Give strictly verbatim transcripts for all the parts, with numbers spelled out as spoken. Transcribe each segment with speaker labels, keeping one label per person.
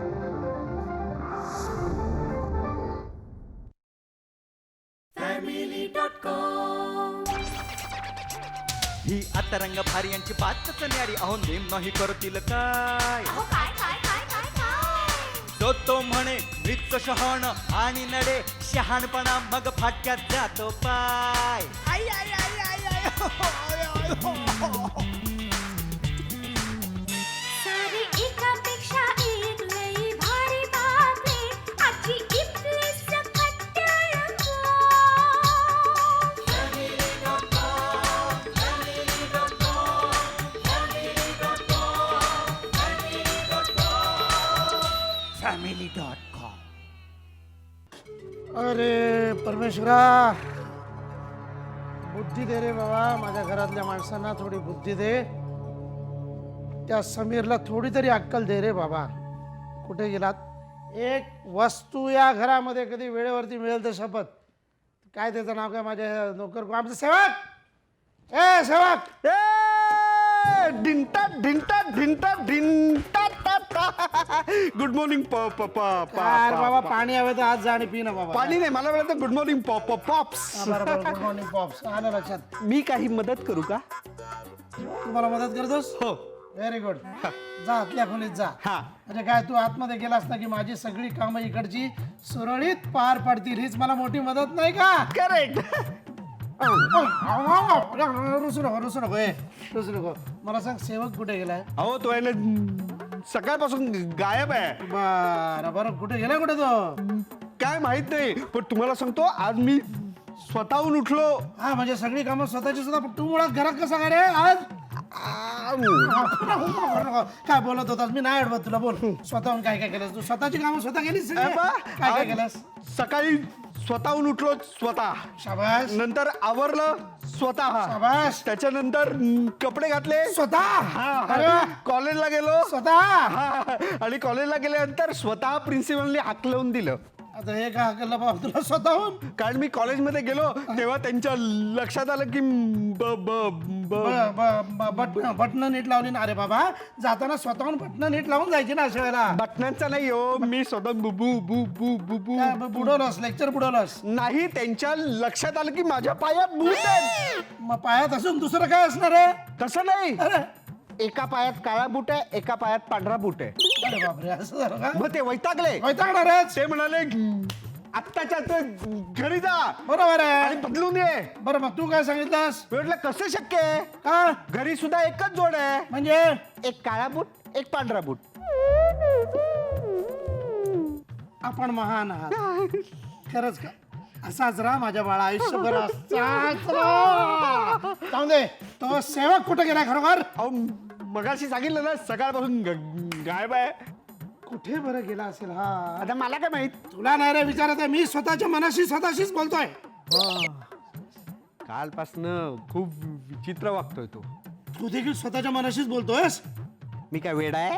Speaker 1: ही आता रंग भारी यांची बातच न्यारी. अहो नेम नाही करतील काय. तो तो म्हणे मृत शहाण आणि नडे शहाणपणा मग फाटक्यात जातो पाय. आई आई आई आई आई हो, हो, आय, आय, हो, हो.
Speaker 2: सारी एकापेक्षा एक लई भारी बातमी आजची इथली सकट रंगो.
Speaker 1: Family dot com.
Speaker 3: अरे परमेश्वरा, बुद्धी दे रे बाबा. माझ्या घरातल्या माणसांना थोडी बुद्धी दे. त्या समीरला थोडी तरी अक्कल दे रे बाबा. कुठे गेलात? एक वस्तू या घरामध्ये कधी वेळेवरती मिळेल तर शपथ. काय त्याचं नाव काय? माझ्या नोकर आमचं सेवक. ए सेवक,
Speaker 4: ढिंटा ढिंटा ढिंटा ढिंटा गुड मॉर्निंग
Speaker 3: अरे बाबा पाणी हवे तर आज जा आणि पी ना बाबा.
Speaker 4: पाणी नाही, मला वेळेला गुड मॉर्निंग पॉप्स.
Speaker 3: बरोबर, गुड मॉर्निंग पॉप्स. आलं लक्षात.
Speaker 4: मी काही मदत करू का?
Speaker 3: तुम्हाला मदत करतोस?
Speaker 4: हो.
Speaker 3: Very good. जा आतल्या खोलीत जा.
Speaker 4: हा.
Speaker 3: म्हणजे काय तू आतमध्ये गेलास ना की माझी सगळी कामं इकडची सुरळीत पार पडतील. हीच मला मोठी मदत नाही का?
Speaker 4: करेक्ट.
Speaker 3: रुसू नको रुसू नको ए रुसू नको. मला सांग सेवक कुठे गेलाय?
Speaker 4: अहो तो आहे ना सकाळपासून गायब आहे.
Speaker 3: बरं बरं, कुठे गेलाय? कुठे तो?
Speaker 4: काय माहित नाही, पण तुम्हाला सांगतो आज मी स्वतःहून उठलो.
Speaker 3: हा म्हणजे सगळी कामं स्वतःची सुद्धा. तू मुळात घरात कसा काय रे आज? काय बोलत होतास? मी नाही अडवत तुला. बोल स्वतःहून काय काय केलंस तू? स्वतःची कामं स्वतः केलीस सगळी?
Speaker 4: अरे बा,
Speaker 3: काय काय
Speaker 4: आज
Speaker 3: केलंस?
Speaker 4: सकाळी स्वतःहून उठलो स्वतः.
Speaker 3: शाबास
Speaker 4: नंतर आवरलं स्वतः.
Speaker 3: शाबास.
Speaker 4: त्याच्यानंतर हम्म, कपडे घातले
Speaker 3: स्वतः. अरे वा.
Speaker 4: कॉलेजला गेलो
Speaker 3: स्वतः.
Speaker 4: हा, आणि कॉलेजला गेल्यानंतर स्वतः प्रिन्सिपलने हाकलवून दिलं.
Speaker 3: आता हे का केलं बाबा तुला स्वतःहून?
Speaker 4: कारण मी कॉलेजमध्ये गेलो तेव्हा त्यांच्या लक्षात आलं की ब ब ब
Speaker 3: बटन बटन नीट लावली ना. अरे बाबा जाताना स्वतःहून बटन नीट लावून जायची ना अशा वेळेला.
Speaker 4: बटनांचा नाही हो, मी स्वतः बुबू बु बु बुबू
Speaker 3: काय ब- बुडवलंस? लेक्चर बुडवलंस?
Speaker 4: नाही, त्यांच्या लक्षात आलं की माझ्या पायात बूट आहेत.
Speaker 3: मग पायात असून दुसरं काय असणार आहे?
Speaker 4: तसं नाही,
Speaker 3: अरे
Speaker 4: एका पायात काळा बूट आहे, एका पायात पांढरा बूट आहे.
Speaker 3: अरे बापरे, असं झालं का?
Speaker 4: मग ते वैतागले.
Speaker 3: वैतागणार आहेच.
Speaker 4: ते म्हणाले आत्ताच्या आत्ता घरी जा
Speaker 3: बरोबर
Speaker 4: आणि
Speaker 3: आहे.
Speaker 4: बदलून ये.
Speaker 3: बरं मग तू काय सांगितलंस?
Speaker 4: मी म्हटलं कसं शक्य आहे?
Speaker 3: का
Speaker 4: घरी सुद्धा एकच जोड आहे,
Speaker 3: म्हणजे?
Speaker 4: एक काळा बूट एक पांढरा बूट.
Speaker 3: आपण महान आहात खरंच का? असाच राहा माझ्या बाळा, आयुष्यभर असाच राहा. जाऊ दे. तो सेवक कुठे गेला खरोखर?
Speaker 4: अहो मगाशी सांगितलं ना सकाळपासून ग- गायब आहे.
Speaker 3: कुठे बरं गेला असेल हा?
Speaker 4: आता मला काय माहित.
Speaker 3: तुला नाही रे विचारत आहे मी. स्वतःच्या मनाशी स्वतःशीच बोलतोय.
Speaker 4: कालपासनं खूप विचित्र वागतोय तो.
Speaker 3: तू देखील स्वतःच्या मनाशीच बोलतोयस?
Speaker 4: मी काय वेडा आहे?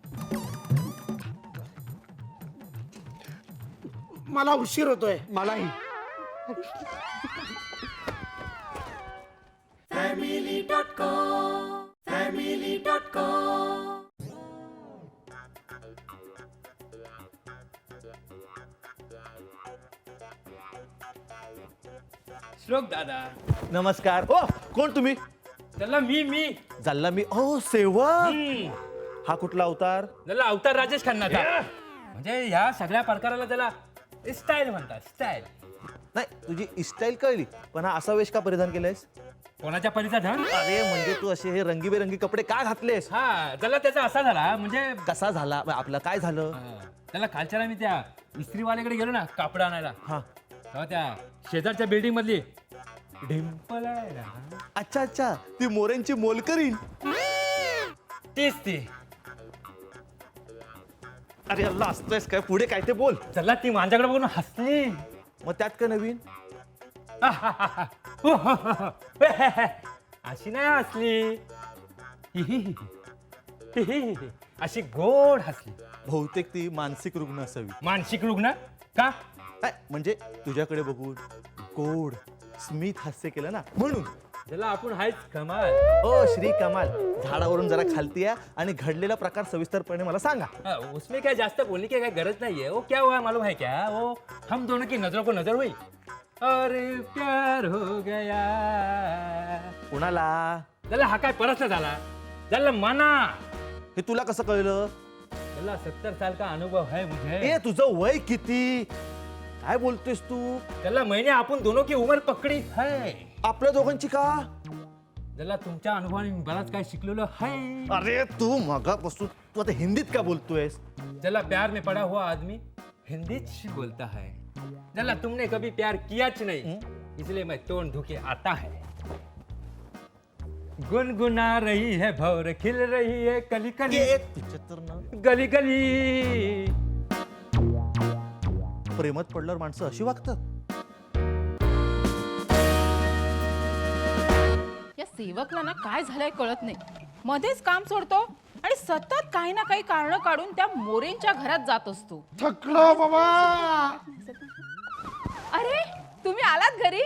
Speaker 3: मला उशीर होतोय.
Speaker 4: मलाही.
Speaker 5: श्लोक दादा.
Speaker 6: नमस्कार. ओ कोण तुम्ही?
Speaker 5: त्याला मी मी
Speaker 6: जल्ला मी. ओ सेवक.
Speaker 5: हम्म.
Speaker 6: हा कुठला अवतार?
Speaker 5: त्याला अवतार राजेश खन्नाचा. म्हणजे ह्या सगळ्या प्रकाराला त्याला स्टाईल म्हणतात. स्टाईल.
Speaker 6: नाही, तुझी स्टाईल कळली, पण हा असा वेश का परिधान केलायस?
Speaker 5: कोणाच्या परीचा धन?
Speaker 6: अरे म्हणजे तू असे हे रंगीबेरंगी कपडे का घातलेस?
Speaker 5: हा त्याला त्याचा असा झाला म्हणजे
Speaker 6: कसा झाला? मग आपलं काय झालं?
Speaker 5: हा, त्याला कालच्याला मी त्या इस्त्रीवाल्याकडे गेलो ना कापड आणायला.
Speaker 6: हा.
Speaker 5: तेव्हा त्या शेजारच्या बिल्डिंग मधली डिंपल आहे ना,
Speaker 6: अच्छा अच्छा, ती मोऱ्यांची मोलकरीण.
Speaker 5: तीच ती.
Speaker 6: अरे अल्ला, असतोयस काय? पुढे काय ते बोल.
Speaker 5: चला ती माझ्याकडे बघून हसली.
Speaker 6: मग त्यात काय नवीन?
Speaker 5: अशी नाही हसली, अशी गोड हसली.
Speaker 6: बहुतेक ती मानसिक रुग्ण असावी.
Speaker 5: मानसिक रुग्ण का?
Speaker 6: काय म्हणजे तुझ्याकडे बघून गोड स्मित हास्य केलं ना म्हणून.
Speaker 5: त्याला आपण हायच कमाल.
Speaker 6: ओ श्री कमाल, झाडावरून जरा खालती या आणि घडलेला प्रकार सविस्तरपणे मला सांगा.
Speaker 5: हाँ, उसमें क्या जास्त बोलने की क्या गरज नहीं है. वो क्या हुआ मालूम है क्या? वो हम दोनों की नजरों को नजर हुई और प्यार हो गया.
Speaker 6: कुणाला?
Speaker 5: त्याला हा काय प्रश्न झाला? त्याला मना.
Speaker 6: हे तुला कसं कळलं?
Speaker 5: त्याला सत्तर साल का अनुभव है मुझे.
Speaker 6: ए तुझं वय किती? काय बोलतोयस तू?
Speaker 5: त्याला मैंने आपण दोनों की उम्र पकडी है.
Speaker 6: आपल्या दोघांची का?
Speaker 5: त्याला तुमच्या अनुभवाने मी बराच काय शिकलेलो है.
Speaker 6: अरे तू मगापासून तू आता हिंदीत का बोलतोयस?
Speaker 5: त्याला प्यार में पड़ा हुआ आदमी हिंदी बोलता है. त्याला तुमने कभी प्यार कियाच नहीं, इसलिए मैं तोड़ धुके आता है. गुनगुना रही है भौर खिल रही है कली कली
Speaker 6: ये तुझ्या तर ना
Speaker 5: गली गली.
Speaker 6: प्रेमात पडल्यावर माणसं अशी वागतात.
Speaker 7: या सेवकला ना काय झालंय कळत नाही. मध्येच काम सोडतो आणि सतत काही ना काही कारण काढून त्या मोरेंच्या घरात जात असतो.
Speaker 3: थकलो बाबा.
Speaker 7: अरे तुम्ही आलात घरी?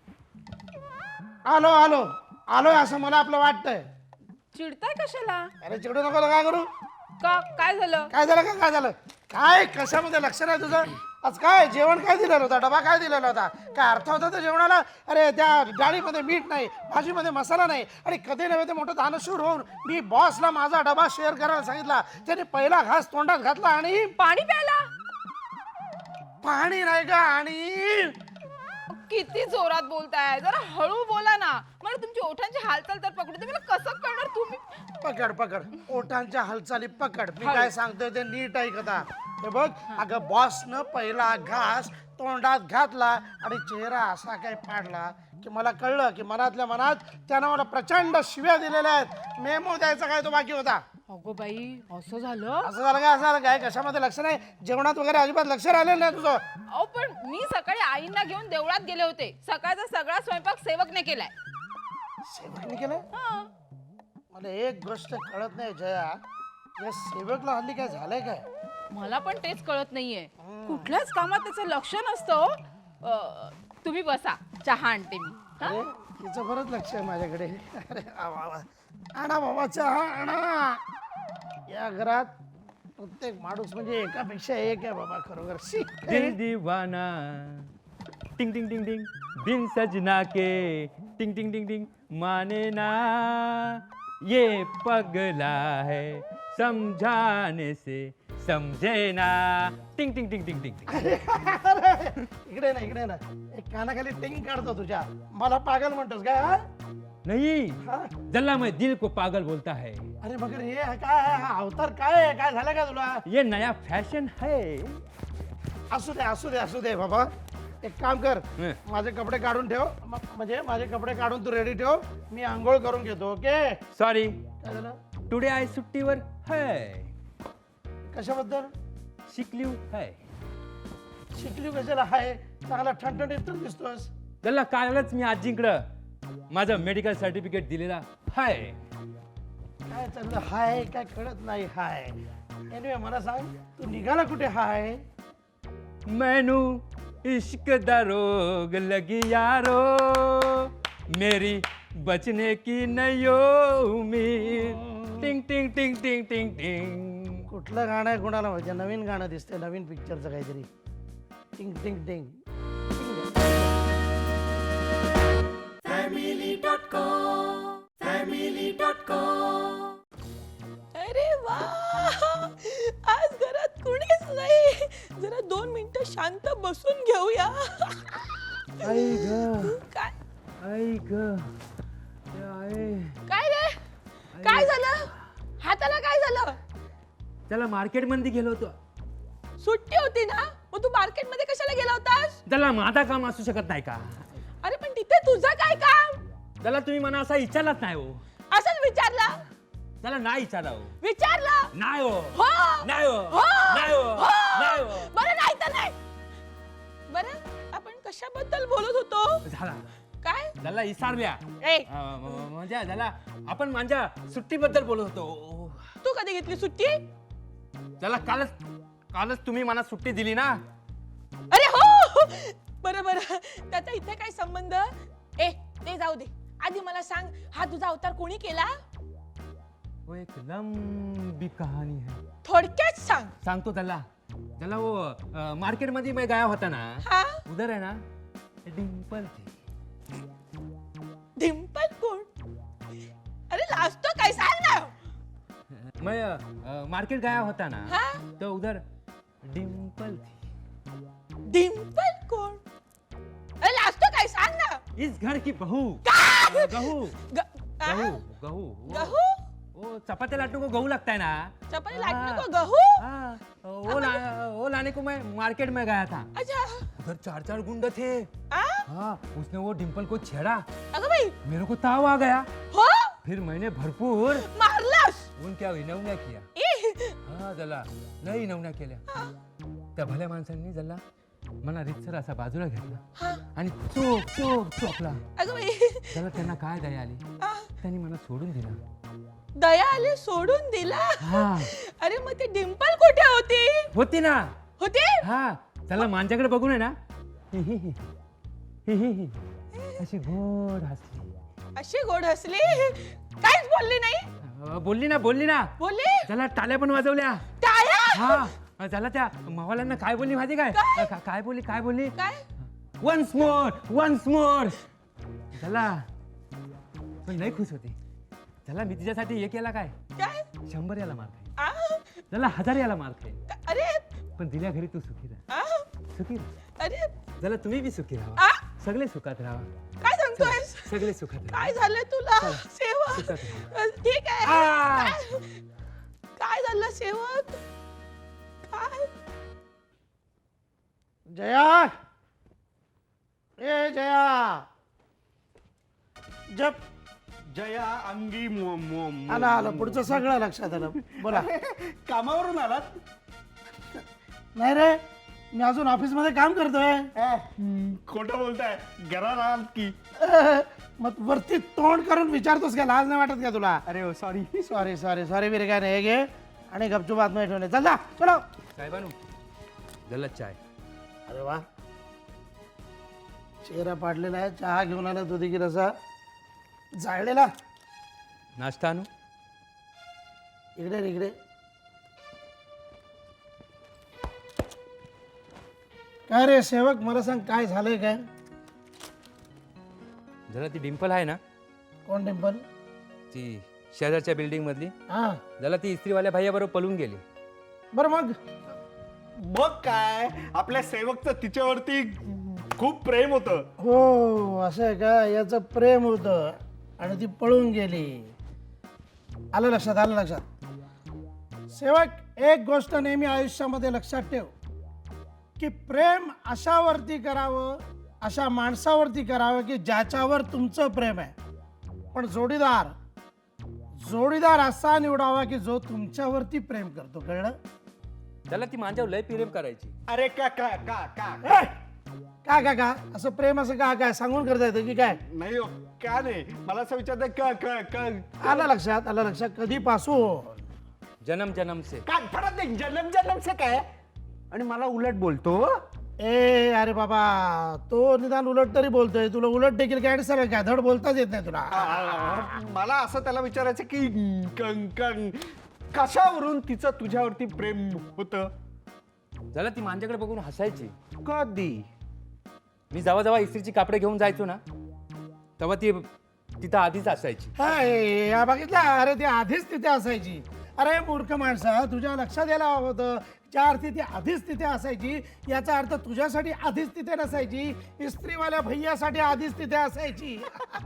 Speaker 3: आलो आलो आलोय असं मला आपलं वाटतंय.
Speaker 7: चिडताय कशाला?
Speaker 3: अरे चिडू नको तर काय करू?
Speaker 7: का काय झालं?
Speaker 3: काय झालं का काय झालं? काय कशामध्ये लक्ष नाही तुझं? आज काय जेवण काय दिलेलं होता? डबा काय दिलेला होता? काय अर्थ होता त्या जेवणाला? अरे त्या डाळीमध्ये मीठ नाही, भाजीमध्ये मसाला नाही आणि कधी नव्हे ते मोठं दानशूर होऊन मी बॉसला माझा डबा शेअर करायला सांगितला. त्याने पहिला घास तोंडात घातला आणि
Speaker 7: पाणी प्यायला?
Speaker 3: पाणी नाही का? आणि
Speaker 7: किती जोरात बोलताय, जरा हळू बोला ना. मला तुमची ओठांची हालचाल तर पकडू दे. मला कसं कळणार तुम्ही?
Speaker 3: पकड पकड ओठांच्या हालचाली पकड. मी काय सांगतोय ते नीट ऐक आता. हे बघ अगं बॉसनं पहिला घास तोंडात घातला आणि चेहरा असा काय पाडला की मला कळलं की मनातल्या मनात त्यानं मला प्रचंड शिव्या दिलेल्या आहेत. मेमो द्यायचा काय तो बाकी होता.
Speaker 7: अगो बाई असं झालं?
Speaker 3: असं झालं काय? असं झालं काय? कशामध्ये लक्ष नाही? जेवणात वगैरे अजिबात लक्ष राहिलेलं नाही तुझं.
Speaker 7: अहो पण मी सकाळी आईंना घेऊन देवळात गेले होते. सकाळचा सगळा स्वयंपाक सेवकने केलाय.
Speaker 3: सेवकने केलं?
Speaker 7: हा.
Speaker 3: मला एक गोष्ट कळत नाही जया, या सेवकला हल्ली काय झालंय काय?
Speaker 7: मला पण तेच कळत नाहीये. कुठल्याच कामात त्याचं लक्ष नसतं. अं, तुम्ही बसा, चहा आणते मी. हा?
Speaker 3: अरे तिचं बरंच लक्ष आहे माझ्याकडे. अरे वा वा वा. आणा बाबा चहा आणा. या घरात प्रत्येक माणूस म्हणजे एकापेक्षा एक आहे बाबा खरोखर. शी.
Speaker 5: दिल दीवाना टिंग टिंग टिंग टिंग बिन सजना के टिंग टिंग टिंग टिंग माने ना ये पगला है समझाने से समझे ना टिंग टिंग टिंग टिंग टिंग.
Speaker 3: अरे, इकडे ना इकडे ना. एक कानाखाली टिंग काढतो तुझ्या. मला पागल म्हणतोस काय? हा?
Speaker 5: नहीं,
Speaker 3: हा?
Speaker 5: जल्ला मैं दिल को पागल बोलता है.
Speaker 3: अरे मगर हे काय आहे? हा अवतार काय आहे? काय झालं का तुला?
Speaker 5: ये नया फैशन है.
Speaker 3: असू दे असू दे असू दे बाबा. एक काम कर,
Speaker 5: हं.
Speaker 3: माझे कपडे काढून ठेव. म- म्हणजे माझे कपडे काढून तू रेडी ठेव. मी आंघोळ करून घेतो. ओके?
Speaker 5: सॉरी,
Speaker 3: काय झालं?
Speaker 5: टुडे आई सुट्टीवर है.
Speaker 3: कशाबद्दल?
Speaker 5: शिकलीव है.
Speaker 3: शिकली कशाला आहे? चांगला ठणठणीत तर दिसतोस.
Speaker 5: त्याला कालच मी आजींकडं माझं मेडिकल सर्टिफिकेट दिलेला हाय.
Speaker 3: काय चाललं हाय काय कळत नाही. हाय एनिवे मला सांग तू निघाला कुठे? हाय
Speaker 5: मैनू इश्क दा रोग लगी यारो मेरी बचने की नयो उम्मीद. टिंग टिंग टिंग टिंग टिंग टिंग.
Speaker 3: कुठलं गाणं आहे कोणाला माहिती? नवीन गाणं दिसतंय, नवीन पिक्चरचं काहीतरी. टिंग टिंग टिंग.
Speaker 8: अरे वा, आज घरात कुणीच नाही. जरा दोन मिनिटं शांत बसून घेऊया.
Speaker 5: आई ग
Speaker 8: काय
Speaker 5: आई ग आई.
Speaker 7: काय रे? काय झालं? हाताला काय झालं?
Speaker 5: त्याला मार्केट मध्ये गेलो होतो.
Speaker 8: सुट्टी होती ना, मग तू मार्केट मध्ये कशाला गेला होतास?
Speaker 5: त्याला माझा काम असू शकत नाही का?
Speaker 8: अरे पण तिथे तुझं काय काम?
Speaker 5: त्याला तुम्ही मला असा विचारलाच नाही हो.
Speaker 8: असंच विचारलं?
Speaker 5: त्याला नाही विचारा हो.
Speaker 8: विचारलं?
Speaker 5: नाही हो.
Speaker 8: हो.
Speaker 5: नाही हो.
Speaker 8: हो.
Speaker 5: नाही हो.
Speaker 8: हो.
Speaker 5: नाही हो.
Speaker 8: बरं नाही तर नाही. बरं आपण कशाबद्दल बोलत होतो?
Speaker 5: झाला.
Speaker 8: काय?
Speaker 5: त्याला विचारल्या.
Speaker 8: ए,
Speaker 5: अं, म- म्हणजे त्याला आपण माझ्या सुट्टीबद्दल बोलत होतो.
Speaker 8: तू कधी घेतली सुट्टी?
Speaker 5: त्याला कालच कालच तुम्ही मला सुट्टी दिली ना.
Speaker 8: अरे हो, बरं बरं. त्याचा इथे काय संबंध? ए ते जाऊ दे. आधी मला सांग, हा तुझा अवतार कोणी केला?
Speaker 5: वो एक लंबी कहानी है.
Speaker 8: थोडक्यात सांग.
Speaker 5: सांगतो त्याला त्याला वो मार्केट मध्ये मैं गया होता ना,
Speaker 8: हा
Speaker 5: उधर है ना डिम्पल थी.
Speaker 8: डिम्पल कोण? अरे लाजतो काय, सांग ना.
Speaker 5: मैं अ, मार्केट गया होता ना,
Speaker 8: हा
Speaker 5: तो उधर डिम्पल थी.
Speaker 8: डिम्पल कोण? अरे लाजतो काय, सांग ना.
Speaker 5: इस घर की बहू.
Speaker 8: काय?
Speaker 5: गहू
Speaker 8: ग- आ?
Speaker 5: गहू गहू वो-
Speaker 8: गहू?
Speaker 5: वो चपाती लाटने को गहू लगता है ना.
Speaker 8: चपाती लाटने
Speaker 5: हाँ.
Speaker 8: को गहू?
Speaker 5: हाँ, वो ला, वो लाने को मैं मार्केट में गया था.
Speaker 8: अच्छा.
Speaker 5: उधर चार चार गुंडे थे.
Speaker 8: आ?
Speaker 5: हाँ, उसने वो डिम्पल को छेड़ा.
Speaker 8: अगं बाई.
Speaker 5: मेरे को ताव आ गया.
Speaker 8: हो
Speaker 5: फिर मैंने भरपूर
Speaker 8: मारलास.
Speaker 5: उनक्या विनवण्या किया.
Speaker 8: ई.
Speaker 5: हा जला लय विनवण्या केल्या. त्या भल्या माणसांनी जला मला रितसर असा बाजूला घेतला
Speaker 8: हा.
Speaker 5: आणि चोप चोप चोपला.
Speaker 8: अगं बाई.
Speaker 5: त्याला त्यांना काय दया आली,
Speaker 8: आ,
Speaker 5: त्यांनी मला सोडून दिला.
Speaker 8: दया आली, सोडून दिला.
Speaker 5: हा
Speaker 8: अरे मग ती डिम्पल कुठे होती?
Speaker 5: होती ना.
Speaker 8: होती?
Speaker 5: हा त्याला माझ्याकडे बघून आहे ना हि हि हि, हि हि हि, अशी गोड हसली.
Speaker 8: अशी गोड हसली, काहीच बोलली नाही.
Speaker 5: अ, बोलली ना बोलली ना.
Speaker 8: बोलली?
Speaker 5: त्याला टाळ्या पण वाजवल्या.
Speaker 8: टाळ्या?
Speaker 5: हा त्याला त्या मावाल्यांना काय बोलली माहिती काय?
Speaker 8: काय?
Speaker 5: का- काय बोलली काय बोलली
Speaker 8: काय?
Speaker 5: Once more once more. त्याला पण लय खुश होती. त्याला मी तिच्यासाठी हे केला काय,
Speaker 8: काय?
Speaker 5: शंभर याला मार खाईल,
Speaker 8: आ?
Speaker 5: त्याला हजार याला मार खाईल.
Speaker 8: अरे
Speaker 5: पण दिल्या घरी तू सुखी राहा.
Speaker 8: आ?
Speaker 5: सुखी राहा.
Speaker 8: अरे
Speaker 5: त्याला तुम्ही बी सुखी
Speaker 8: आ?
Speaker 5: राहा. सगळे सुखात राहा.
Speaker 8: काय सांगतोयस?
Speaker 5: सगळे सुखात राहा.
Speaker 8: काय झालं तुला सेवक?
Speaker 5: सुखात
Speaker 8: ठीक आहे.
Speaker 5: आ!
Speaker 8: काय- काय झालं सेवक? काय?
Speaker 3: जया, ए जया, जप.
Speaker 4: जया अंगी मो- मो- मो-
Speaker 3: आला आलं पुढचं सगळं लक्षात आलं. बोला.
Speaker 4: कामावरून आलात?
Speaker 3: नाही रे, मी अजून ऑफिस मध्ये काम करतोय.
Speaker 4: खोटं बोलताय, घरात आहात की?
Speaker 3: मग वरती तोंड करून विचारतोस का? लाज नाही वाटत का तुला?
Speaker 4: अरे हो सॉरी.
Speaker 3: सॉरी सॉरी सॉरी विरे, काय नाही. हे घे आणि गपचूप आतमध्ये ठेवले. चल जा, चलो.
Speaker 5: साहेबानू जला चाय.
Speaker 3: अरे वा, चेहरा पाडलेला आहे. चहा घेऊन आला दुधी की रसा जाळलेला.
Speaker 5: नाश्ता आणू.
Speaker 3: इकडे रे, इकडे. काय रे सेवक, मला सांग काय झालंय काय?
Speaker 5: जरा ती डिम्पल आहे ना,
Speaker 3: कोण टेम्पल?
Speaker 5: ती शेजारच्या बिल्डिंग मधली,
Speaker 3: हा
Speaker 5: जला ती इस्त्रीवाल्या भैया बरोबर पळून गेली.
Speaker 3: बरं मग.
Speaker 4: बघ काय, आपल्या सेवकचं तिच्यावरती खूप प्रेम होतं.
Speaker 3: हो असं आहे का? याचं प्रेम होतं आणि ती पळून गेली. आलं लक्षात, आलं लक्षात. सेवक, एक गोष्ट नेहमी आयुष्यामध्ये लक्षात ठेव की प्रेम अशावरती करावं, अशा माणसावरती करावं की ज्याच्यावर तुमचं प्रेम आहे. पण जोडीदार जोडीदार असा निवडावा की जो तुमच्यावरती प्रेम करतो. कळलं?
Speaker 5: त्याला ती माझ्यावर लय प्रेम करायची.
Speaker 4: अरे का का का का
Speaker 3: ए! का का का असं प्रेम असं का काय सांगून करता येतं की काय?
Speaker 4: नाही हो, का नाही, मला असं विचारतं का का का
Speaker 3: आलं लक्षात, आलं लक्षात. कधीपासून?
Speaker 5: जन्म जन्म से.
Speaker 4: काय फरक नाही, जन्म जन्म से काय. आणि मला उलट बोलतो.
Speaker 3: ए अरे बाबा, तो निदान उलट तरी बोलतोय. तुला उलट देखील काय सगळं काय धड बोलताच येत नाही तुला.
Speaker 4: आ, मला असं त्याला विचारायचं की क- क- कशावरून तिचं तुझ्यावरती प्रेम होतं.
Speaker 5: जला ती माझ्याकडे बघून हसायची.
Speaker 4: कधी?
Speaker 5: मी जेव्हा जेव्हा इस्त्रीची कापडे घेऊन जायचो ना, तेव्हा ती तिथं आधीच असायची.
Speaker 3: हाय, या बघितलं? अरे ती आधीच तिथे असायची. अरे मूर्ख माणसा, तुझ्या लक्षात यायला हवं होतं. ज्या अर्थी ती आधीच तिथे असायची याचा अर्थ तुझ्यासाठी आधीच तिथे नसायची, इस्त्रीवाल्या भैयासाठी आधीच तिथे असायची.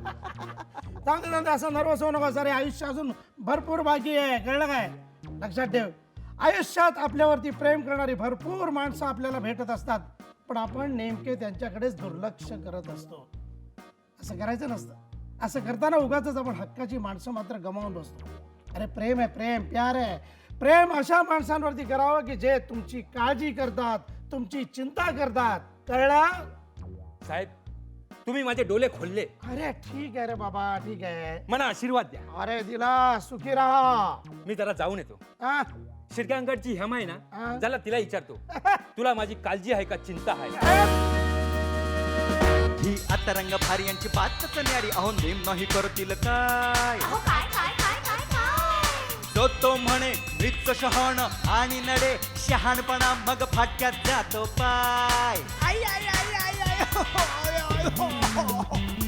Speaker 3: जाऊ दे, जाऊ दे, असं नर्वस होऊ नका. सारे आयुष्य अजून भरपूर बाकी आहे. कळलं काय? लक्षात ठेव, आयुष्यात आपल्यावरती प्रेम करणारी भरपूर माणसं आपल्याला भेटत असतात, पण आपण नेमके त्यांच्याकडेच दुर्लक्ष करत असतो. असं करायचं नसतं. असं करताना उगाच आपण हक्काची माणसं मात्र गमावून बसतो. अरे प्रेम आहे, प्रेम प्यार आहे. प्रेम अशा माणसांवरती करावं की जे तुमची काळजी करतात, तुमची चिंता करतात. कळलं?
Speaker 5: साहेब, तुम्ही माझे डोले खोलले.
Speaker 3: अरे ठीक आहे रे बाबा, ठीक आहे.
Speaker 5: मला आशीर्वाद द्या.
Speaker 3: अरे दिला, सुखी राहा.
Speaker 5: मी जरा जाऊन येतो.
Speaker 3: हा?
Speaker 5: शिरक्यांकडची हेमा आहे
Speaker 3: हा.
Speaker 5: ना, त्याला तिला विचारतो, तुला माझी काळजी आहे का चिंता आहे?
Speaker 3: ए,
Speaker 1: ही आता रंग भारी यांची बातच न्यारी अहो नेम नाही करतील काय
Speaker 2: अहो काय काय काय काय काय
Speaker 1: तो तो म्हणे मृत शहाण आणि नडे शहाणपणा मग फाटक्यात जातो पाय आई आई आई आई आई हो, हो, हो, हो.